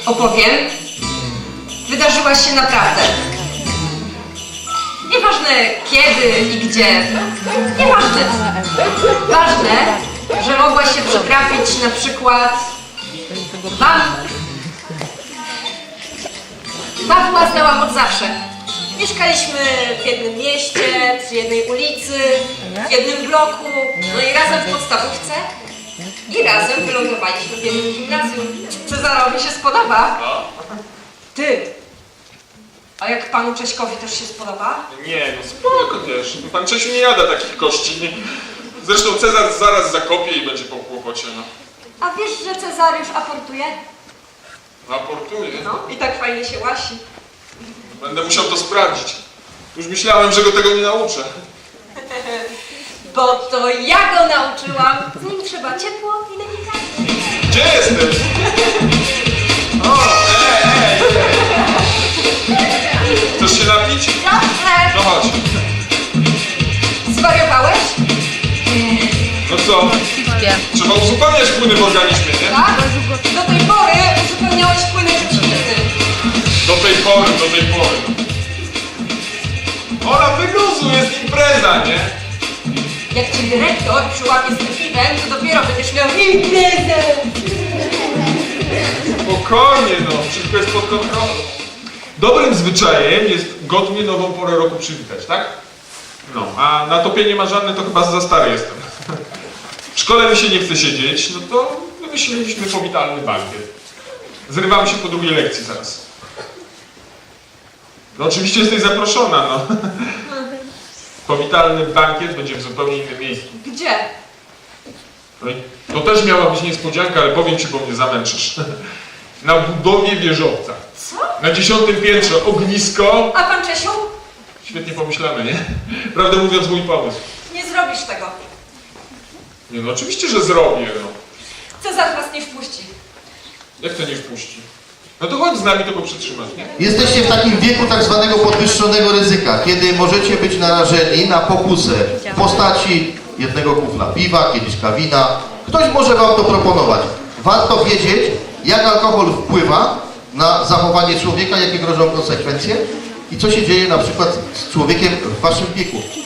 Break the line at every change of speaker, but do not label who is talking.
opowiem. Wydarzyła się naprawdę. Nieważne kiedy i gdzie. Nieważne. Ważne, że mogła się przytrafić na przykład wam. Pawła znałam od zawsze. Mieszkaliśmy w jednym mieście, przy jednej ulicy, w jednym bloku, no i razem w podstawówce. I razem wylądowaliśmy w jednym gimnazjum. Cezarowi się spodoba. Ty! A jak panu Cześkowi też się spodoba?
Nie, no spoko też. Pan Czesiu nie jada takich kości. Zresztą Cezar zaraz zakopie i będzie po kłopocie, no.
A wiesz, że Cezariusz aportuje?
Raportuje.
No, i tak fajnie się łasi.
Będę musiał to sprawdzić. Już myślałem, że go tego nie nauczę.
Bo to ja go nauczyłam. Z nim trzeba ciepło i delikatnie.
Gdzie jesteś? O, ej! Chcesz się napić?
Dobrze!
No chodź.
Zwariowałeś?
No co? Trzeba uzupełniać płyny w organizmie, nie?
Tak? Do tej pory uzupełniałeś płyny czymś innym.
Do tej pory. Ola, wyluzuj, jest impreza, nie?
Jak ci dyrektor przyłapie z tym piwem, to dopiero będziesz miał imprezę.
Spokojnie, no, wszystko jest pod kontrolą. Dobrym zwyczajem jest godnie nową porę roku przywitać, tak? No, a na topie nie ma żadne, to chyba za stary jestem. W szkole mi się nie chce siedzieć, no to wymyśliliśmy powitalny bankiet. Zrywamy się po drugiej lekcji zaraz. No oczywiście jesteś zaproszona, no. Powitalny bankiet będzie w zupełnie innym miejscu.
Gdzie?
No i to też miała być niespodzianka, ale powiem ci, bo mnie zamęczysz. Na budowie wieżowca.
Co?
Na 10. piętrze ognisko.
A pan Czesiu?
Świetnie pomyślane, nie? Prawdę mówiąc, mój pomysł.
Nie zrobisz tego.
Nie no, oczywiście, że zrobię, no.
Cezar nas nie wpuści.
Jak to nie wpuści? No to chodź z nami, to go przytrzymasz, nie?
Jesteście w takim wieku tak zwanego podwyższonego ryzyka, kiedy możecie być narażeni na pokusę w postaci jednego kufla piwa, kieliszka wina. Ktoś może wam to proponować. Warto wiedzieć, jak alkohol wpływa na zachowanie człowieka, jakie grożą konsekwencje i co się dzieje na przykład z człowiekiem w waszym wieku.